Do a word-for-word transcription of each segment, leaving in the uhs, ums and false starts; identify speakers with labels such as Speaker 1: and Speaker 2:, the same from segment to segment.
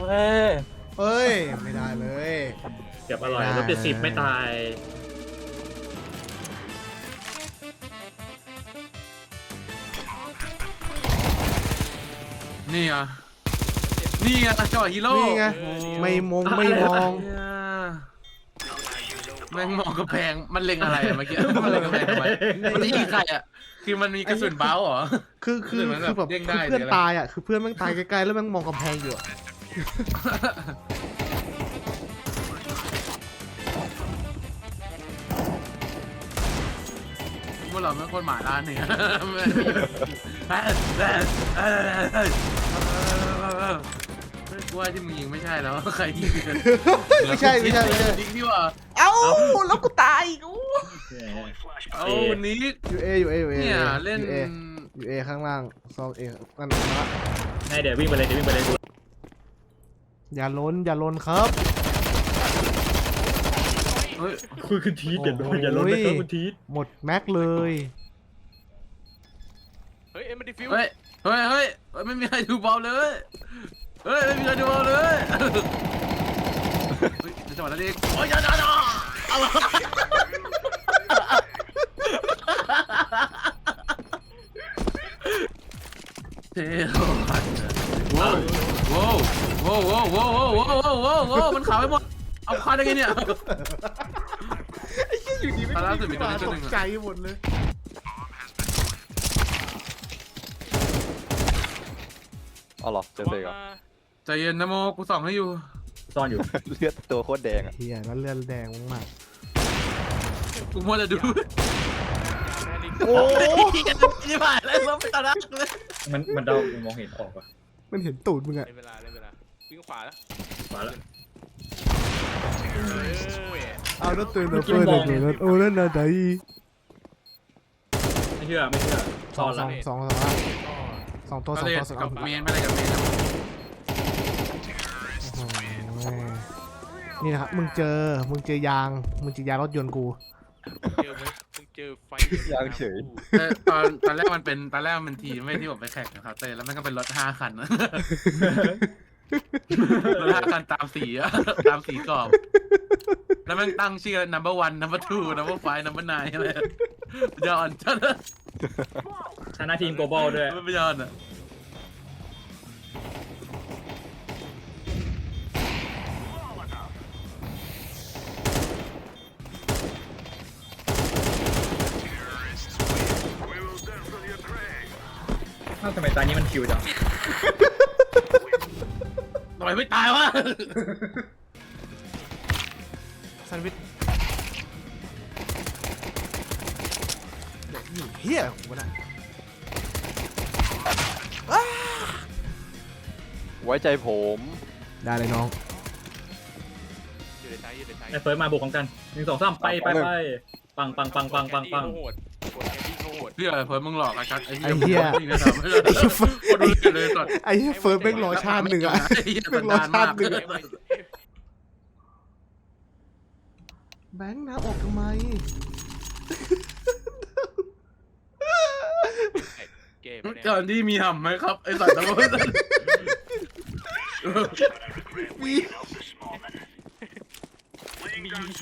Speaker 1: เอ้ย
Speaker 2: เฮ้ยไม่ได้เลย
Speaker 1: เก็บอร่อยลบเจ็ดสิบไม่ตายนี่อ่ะนี่ไงจังหวะฮีโร่
Speaker 2: นี่ไงไม่มงไม่มอง
Speaker 1: แม่งมองกระแพงมันเล็งอะไรเมื่อกี้มันเล็งกระแพงทำไมมันจะยิงใครอ่ะคือมันมีกระสุนเบ้าเหรอ
Speaker 2: คือคือ
Speaker 1: หรือมันแบบ
Speaker 2: คือแบบ
Speaker 1: เด้ง
Speaker 2: คือ
Speaker 1: ได้
Speaker 2: เพื่อน
Speaker 1: หรืออะไร
Speaker 2: ตายอ่ะคือเพื่อนแม่งตายไกลๆแล้วแม่งมองกำแพงอยู่อะ
Speaker 1: พวกเราไม่คนหมาล่าเนี่ยไม่กลัวที่มึงยิงไม่ใช่แล้วใครยิงกัน
Speaker 2: ไม่ใช่ไม่ใช่ไม่ใช่
Speaker 1: ยิงดีกว่า
Speaker 2: เอ้าแล้วกูตายอีกอู้
Speaker 1: เอาวันนี้
Speaker 2: อยู่เออยู่เออยู่เอ
Speaker 1: เนี่ยเล่น
Speaker 2: อยู่เออยู่เอข้างล่างซองเอนั่นนะ
Speaker 3: ให้เดี๋ยววิ่งไปเลยเดี๋ยววิ่งไปเลยดู
Speaker 2: อย่าล้นอย่าล้นครับ
Speaker 1: เฮ้ย
Speaker 3: คือคุณทีทอย่าโดนอย่าล้นนะครับคุณทีท
Speaker 2: หมดแม็กเลย
Speaker 4: เฮ้ยเอ็มดีฟิว
Speaker 1: เฮ้ยเฮ้ยเฮ้ยไม่มีใครดูบอลเลยเฮ้ยไม่มีใครดูบอลเลยเฮ้ยในจังหวะนั้นเองโอ้ยอย่าอย่าอย่าเท่ว้าวว้าวว้าวว้าวว้าวว้าวว้าวว้าวว้าวมันขาวไปหมดเอาควันได้ไงเนี่ย
Speaker 2: ไอ้เหี้ยอยู่ดีไม่
Speaker 1: ตอนล่าสุดมีตัวนี้ตัว
Speaker 2: ต
Speaker 1: หนึ่
Speaker 2: ก
Speaker 1: งอะ
Speaker 2: ใจหมดเลย
Speaker 5: เอาหรอเจอเซกเหรอ
Speaker 1: ใจเย็นนะโมกูส่องให้อยู่
Speaker 3: ซ่อนอยู่
Speaker 5: เลือดตัวโคตรแดงอ่ะ
Speaker 2: เฮียแล้วเลือดแดงมาก
Speaker 1: กูมัวแต่ดู
Speaker 2: ๆโอ้
Speaker 1: ยี่ผ่านแล้วเราไปตาดักเลย
Speaker 3: มันมันเดามองเห็นออกอ่ะ
Speaker 2: มันเห็นตูดมึงอะ
Speaker 4: ในเวลาในเวลาวิ่งขวาแล้ว
Speaker 3: มาแล้ว
Speaker 2: เอาแล้วตื่นแล้วเปิดเลยแล้วโอ้นั่นน่ะได
Speaker 3: ไม่เชื่อไม่เชื่อ
Speaker 2: ส
Speaker 3: ซ่
Speaker 2: อ
Speaker 3: อง น
Speaker 2: ส
Speaker 3: ละ
Speaker 2: องสองสองสองตัวสอง
Speaker 1: เล
Speaker 2: ตัวสอง
Speaker 1: กั
Speaker 2: ตั
Speaker 1: บ
Speaker 2: ว
Speaker 1: เมนไม่ได้กับเมน
Speaker 2: นี่นะครับมึงเจอมึงเจอยางมึงเจอยางรถยนต์กู
Speaker 4: เจอไหมมึงเจอไฟ
Speaker 5: ยางเฉย
Speaker 1: ตอนตอนแรกมันเป็นตอนแรกมันเป็นทีมไม่ที่ผมไปแข่งกับเขาเต้แล้วมันก็เป็นรถห้าคันรถห้าคันตามสีอะตามสีกรอบแล้วมันตั้งชื่อ number one number two number five number nine อะไรยอนจัด
Speaker 3: ชนะทีมโกลบอลด้วย
Speaker 1: ไม่ยอนอ่ะ
Speaker 3: อ้าวทำไมตานี้มันคิวจัง
Speaker 1: ทำไมไม่ตายวะ
Speaker 2: แซนด์วิชเด็กนี่เฮียของมันอะ
Speaker 5: ไว้ใจผม
Speaker 2: ได้เลยน้อง
Speaker 4: อยู่ในท้ายอยู่ในท้าย
Speaker 3: ไอ้เฟิร์สมาบุกของกันหนึ่งสองสามไปไปไปปังปังปังปังปังปัง
Speaker 4: โหดโหดแคนดี้โหด
Speaker 1: พี่อะไรเพิ่มมึงหลอกไอ้กัดไอ้
Speaker 2: ไอ้เหี้ย
Speaker 1: นี่นะครับไม่ใช่คนดูเลยสด
Speaker 2: ไอ้เหี้ยเฟิร์สแม่งรอชาติหนึ่งอะ
Speaker 1: ไอ้เหี้ยสันดานมาก
Speaker 2: แบงค์น้ำออกทำไม
Speaker 4: เกม
Speaker 1: ก่อนที่มีห่ำไหมครับไอ้สัตว์ตะวัน
Speaker 2: มี
Speaker 4: มีผี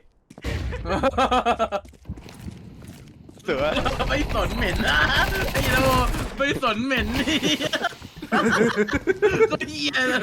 Speaker 5: เสือ
Speaker 1: ไม่สนเหม็นนะไอ้โลไม่สนเหม็นนี่ก็เหี้ยเลย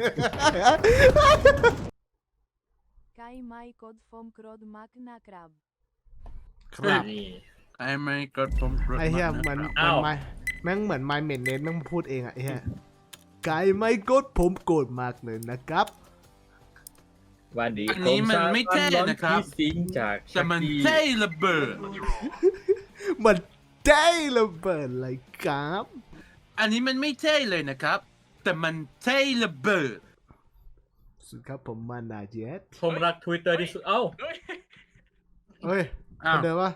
Speaker 6: Kay may kod fom krod mak na krab.
Speaker 2: ครับ
Speaker 3: นี่
Speaker 1: ไอ้ไม่กดผม
Speaker 2: ไอ้เหี้ยเหมือน
Speaker 3: อ้าว
Speaker 2: มันไม่แม่งเหมือนไมเมนเนสแม่งพูดเองอะไอ้เหี้ยไก่ไม่กดผมโกรธมากเลยนะครับ
Speaker 3: วันดี
Speaker 1: อันนี้มันไม่เท่นะครับ
Speaker 3: สิงจาก
Speaker 1: แต่มันเท่ระเบิด
Speaker 2: มันได้ระเบิดเลยครับ
Speaker 1: อันนี้มันไม่เท่เลยนะครับ แต่มันเท่ระเบิด
Speaker 2: สุดครับผมมานาเจ็ต
Speaker 3: ผมรักทวิตเตอร์ที่สุดเอ้า
Speaker 4: เฮ้ย
Speaker 2: เฮ้ย
Speaker 1: อ้าว
Speaker 2: คนเดิมวะ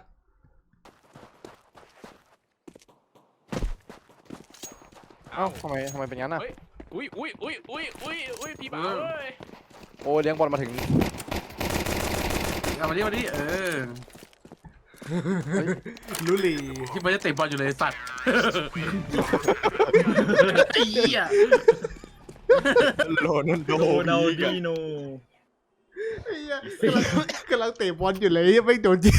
Speaker 5: เอ้าทำไมทำไมเป็นงั้นอ่ะ
Speaker 4: อุ้ยอุ้ยอุ้ยอุ้ยอุ้ยอุ้ยพี่บ่าวเอ้ย
Speaker 5: โอ้เลี้ยงบอลมาถึง
Speaker 1: เอามาดิมาดิเออ
Speaker 2: ลุลี
Speaker 1: ที่มันจะเตะบอลอยู่เลยสัตว์ไอ้เหี้ย
Speaker 5: โรนัลโด
Speaker 3: โรนัลดิโน
Speaker 2: ไอ้เหี้ยกำลังกำลังเตะบอลอยู่เลยไม่โดนยิง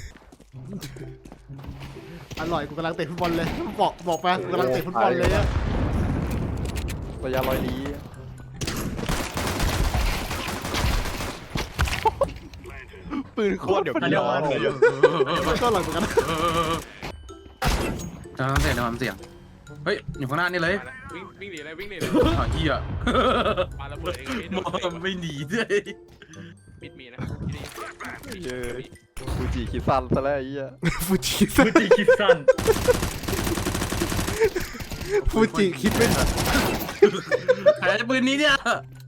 Speaker 2: อร่อยกูกำลังเตะฟุตบอลเลยบอกบอกไปกูกำลังเตะฟุตบอลเลยอะ
Speaker 5: ระยะร้อยลี้ปืนโคตรเดี๋ยวพี่ร้อนเลย
Speaker 2: ก็อร่อยเหมือนกันนะ
Speaker 1: จะทำเสียงจะทำเสียงเฮ้ยอยู่ข้างหน้านี่เลย
Speaker 4: มาแล้ววิ่งวิ่งหนีเลยวิ่งหนีเลย
Speaker 1: อ๋อเฮีย
Speaker 4: ปาระเบิดเองพี่
Speaker 1: มองไม่หนีด้วย
Speaker 4: มิดมีนะที่นี่
Speaker 5: เย้ฟูจิคิดสั้นซะแล้วไอ้เหี้ย
Speaker 2: ฟูจิ
Speaker 3: ฟูจิคิดสั้น
Speaker 2: ฟูจิคิดไม่ทัน
Speaker 1: ใครจะปืนนี้เนี่ย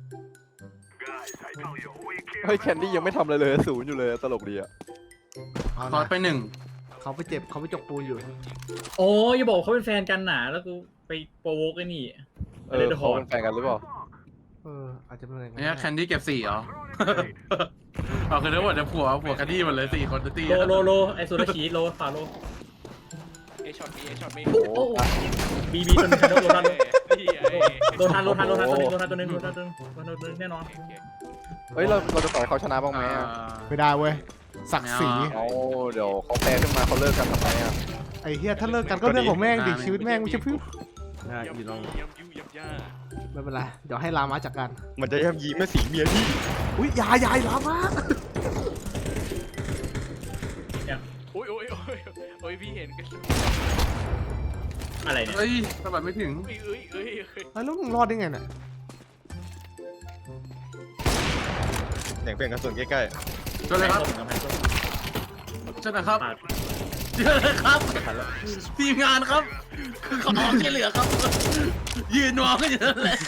Speaker 5: เฮ้ยแคนดี้ยังไม่ทำอะไรเลยศูนย์อยู่เลยตลกดีอะ
Speaker 1: คอร์สไปหนึ่ง
Speaker 2: เขาไปเจ็บเขาไปจกปูนอยู่
Speaker 3: โอ้ยอย่าบอกเขาเป็นแฟนกันหนาแล้วกูไปโปรโวกไอ้นี่
Speaker 5: เออเขาเป็นแฟนกันหรือเปล่า
Speaker 2: เอออาจจะเป็นอะไร
Speaker 1: เนี่ยแคนดี้เก็บสี่เหรอเอาคือทั้งหมดจะผัวผัวแคนดี้หมดเลยสี่คนตี
Speaker 3: โลโลโลไอโซลาชีโลฝาโล
Speaker 4: เอช็อตมีเอช็อตมี
Speaker 5: โอ้โห
Speaker 3: บีบีตัวนึงโลทัน
Speaker 4: นี่ไอ้
Speaker 3: โลทันโลทันโลทันตัวนึงโลทันตัวนึงโลทันตัวนึงโลทันตัวนึงแน่นอน
Speaker 5: เฮ้ยเราเราจะต่อยเขาชนะบ้างไหมอะ
Speaker 2: ไม่ได้เว้ยศักดิ์ศรี
Speaker 5: เอาเดี๋ยวเขาแพ้ขึ้นมาเขาเลิกกันทำไมอะ
Speaker 2: ไอ้เฮียถ้าเลิกกันก็เรื่องของแม่งดิชีวิตแม่งไม่ใช่พึ่ง
Speaker 4: ยำยูยำยูยำย่า
Speaker 2: ไม่เป็นไรเดี๋ยวให้ลามาจัดการ
Speaker 5: มันจะย่ำยีแม่สีเมียพี่
Speaker 2: อุ้ยยายยายลามา
Speaker 4: โอ้ยโอ้ยโอ้ยโอ้ยพี่เห็นกัน
Speaker 3: อะไรเนี่ย
Speaker 1: เฮ้ยสะบัดไม่ถึง
Speaker 4: เอ้ยเอ้ยเอ้ยเอ้ย
Speaker 2: แล้วมึงรอดได้ไงเนี่ย
Speaker 5: เสียงเปลี่ยนกระสุนใกล้
Speaker 1: ก็เลยครับ
Speaker 3: กำแพงส้ม
Speaker 1: ใช่นะครับ
Speaker 3: ปาด
Speaker 1: เจอเลยครับทีมงานครับคือขอความช่วยเหลือครับ ยืนมองกันอยู่นั่นแหละ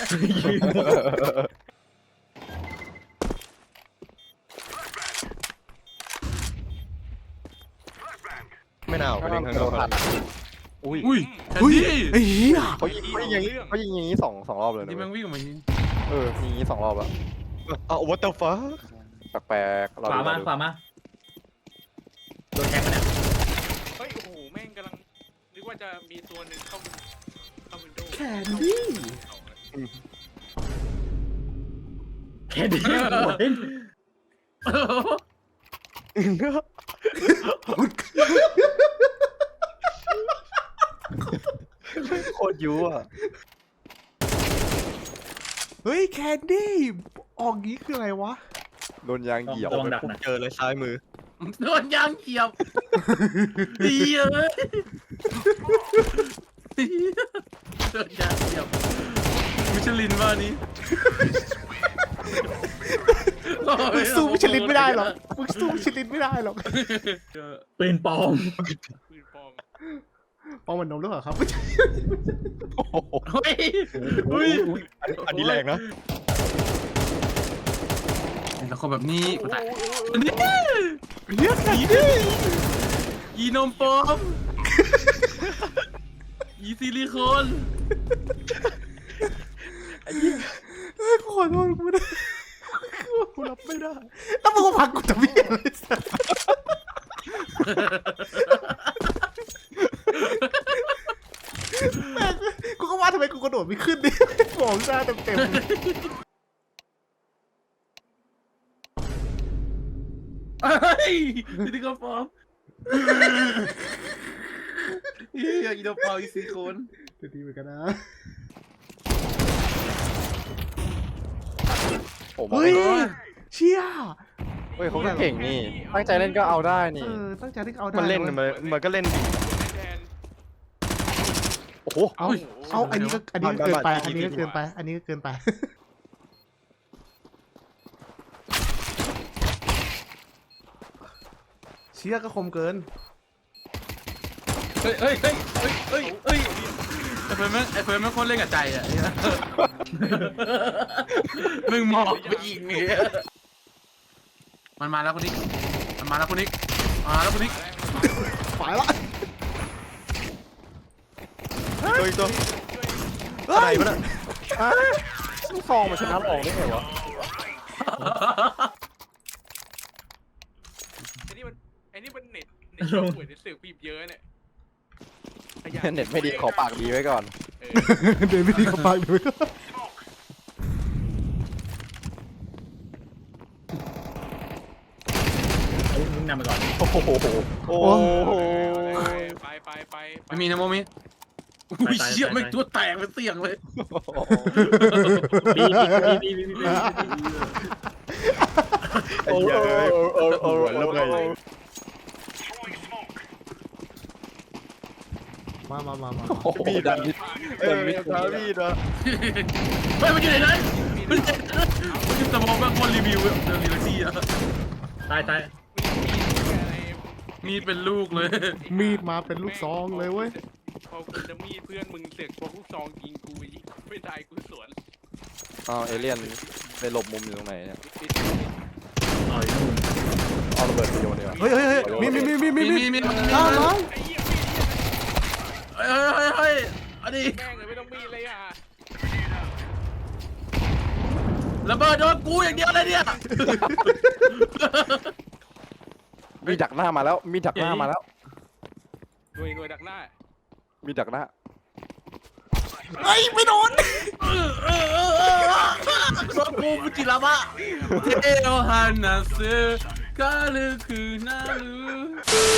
Speaker 5: ๆไม่น่าออกไปเล่นข้างนอกอุ้ย
Speaker 1: อุ้ยแคน
Speaker 2: อุ้ย
Speaker 1: ดี้
Speaker 2: ไอ้เหี้ย
Speaker 5: เขายิงเขายิงอย่างนี้เขายิงอย่างนี้สองสองรอบเลยนะ
Speaker 1: ที่
Speaker 5: เว้
Speaker 1: แม่
Speaker 5: ย
Speaker 1: งวิ่งออกมายิง
Speaker 5: เออยิงอย่างนี้สองรอบแล้วเอา what the fuck แปลกๆเร
Speaker 3: ขวามา
Speaker 5: ดู
Speaker 3: ขวามาโดนแทงมาเนี่ย
Speaker 4: เฮ้ยโอ้โหแม่งกำลังนึกว่าจะมีตัวหนึ่งเข้าเข้าวินโดว์
Speaker 2: แคนดี้
Speaker 3: แค่ดีหัวเล่น
Speaker 5: โคตรยุอ่ะ
Speaker 2: เฮ้ยแคนดี้ออกงี้คืออะไรวะ
Speaker 5: โดนยางเหยียบ
Speaker 3: ระวังดักนะ
Speaker 5: เจอเลยซ้ายมือ
Speaker 1: โดนยางเขียบดีเลยโดนยางเขียบมิชลินว่านี้
Speaker 2: มึงสู้มิชลินไม่ได้หรอกมึงสู้มิชลินไม่ได้หรอก
Speaker 3: ปืนปลอม
Speaker 4: ปืนปลอม
Speaker 2: ปองมันนมหรือเปล่าครับ
Speaker 1: เฮ้ยเฮ้ย
Speaker 5: อันนี้แรงนะ
Speaker 1: แล้วคนแบบนี้กูตาย นี่
Speaker 2: เรียกแคนดี้
Speaker 1: ยีนมปลอมยีซิลิโคน
Speaker 2: เฮ้ยขอโทษกูไม่ได้กูรับไม่ได้แล้วมึงก็พักกูจะวิ่งเลยสัสแม่งกูก็ว่าทำไมกูกระโดดไม่ขึ้นดิมองหน้าเต็มเต็ม
Speaker 1: เฮ้ยซิลิโคนปลอมเฮียยีนมปลอมยีซิลิโคน
Speaker 2: จะดีเหมือนกันนะ
Speaker 5: ผม
Speaker 2: เฮ้ยเชี่ย
Speaker 5: เฮ้ยเขาก็เก่งนี่ ตั้งใจเล่นก็เอาได้
Speaker 2: เอ
Speaker 5: นี่
Speaker 2: อตั้งใจที่เอาได้
Speaker 5: มันเล่น
Speaker 2: ว้ย
Speaker 5: มันมันก็เล่นดี
Speaker 4: แทน
Speaker 5: โอ้โห
Speaker 2: เอาเอาอันนี้ก็อันนี้ก็เกินไป อันนี้ก็เกินไป อันนี้ก็เกินไป เชี่ยก็คมเกิน
Speaker 1: เฮ้ยเฮ้ยเฮ้ยเฮ้ยเฮ้ยเฮ้ยไอ้เฟิร์นแม่งไอ้เฟิร์นแม่งโคตรเล่นกับใจอ่ะมึงมองไปอีกเนี่ยมันมาแล้วคนนี้มันมาแล้วคนนี้มาแล้วคนนี้
Speaker 2: ฝ่ายละ
Speaker 5: ตัวอีกตัว
Speaker 2: เฮ้ย
Speaker 5: อ่ะลูกซองมันชนะออกได้ไงวะ
Speaker 4: ไอ้นี่มันไอ้นี่มันเน็ตเน็ตป่วยในสื่อปีบเยอะเนี่ย
Speaker 5: เน็ตไม่ดีขอปากดีไว้ก่อน
Speaker 4: เออ
Speaker 2: เดินไม่ดีกับปากด้วย
Speaker 3: งนำไปก่อน
Speaker 5: โอ้โหโอ้โห
Speaker 4: ไปไปไปไป
Speaker 1: ไม่มีนะโมมิอุ้ยเชี่ยไม่ตัวแตกเป็นเสียงเลย
Speaker 3: บีบีบีบีบีบี
Speaker 5: ไอ้เหี้ยโอ้โหแล้วไง
Speaker 2: มามามามา
Speaker 5: มีดันมิดเดินมิดนะมีดนะ
Speaker 1: เฮ้ยมันอยู่ไหนนะมันจะมันจะสมองแบบคนรีวิวเรื่องรีวิวซี่อะ
Speaker 3: ตายตาย
Speaker 1: มีเป็นลูกเลย
Speaker 2: มีดมาเป็นลูกซองเลยเว้ย
Speaker 4: พอกูจะมีดเพื่อนมึงเสือกพวกลูกซองยิงกูอีกไม่ได้กูสวน
Speaker 5: อ้าวเอเลี่ยนไปหลบมุมอยู่ตรงไหนเนี่ย
Speaker 4: ปิด
Speaker 3: ต่อยนู่น
Speaker 5: เอาระเบิดไปโยนดีกว่า
Speaker 2: เฮ้ยเฮ้ยเฮ้ยมีมีมีมีมี
Speaker 1: มี
Speaker 2: มี
Speaker 1: มีมี
Speaker 2: น้องน้อง
Speaker 4: ไอ้เหี้ย
Speaker 1: เฮ้ยเฮ้ยเฮ้ยอันนี้
Speaker 4: แม่งเลยไม่ต้องมีดเลยอ่ะ
Speaker 1: ระเบิดโดนกูอย่างเดียวเลยเนี่ย
Speaker 5: มีดักหน้ามาแล้วมีดักหน้ามาแล้ว
Speaker 4: หน่วยหน่วยดักหน้า
Speaker 5: มีดักหน้า
Speaker 2: เฮ้ยไม่โดน
Speaker 1: โดนกูมุจิระมะเทโอฮานาซึกาลือคือนาลือ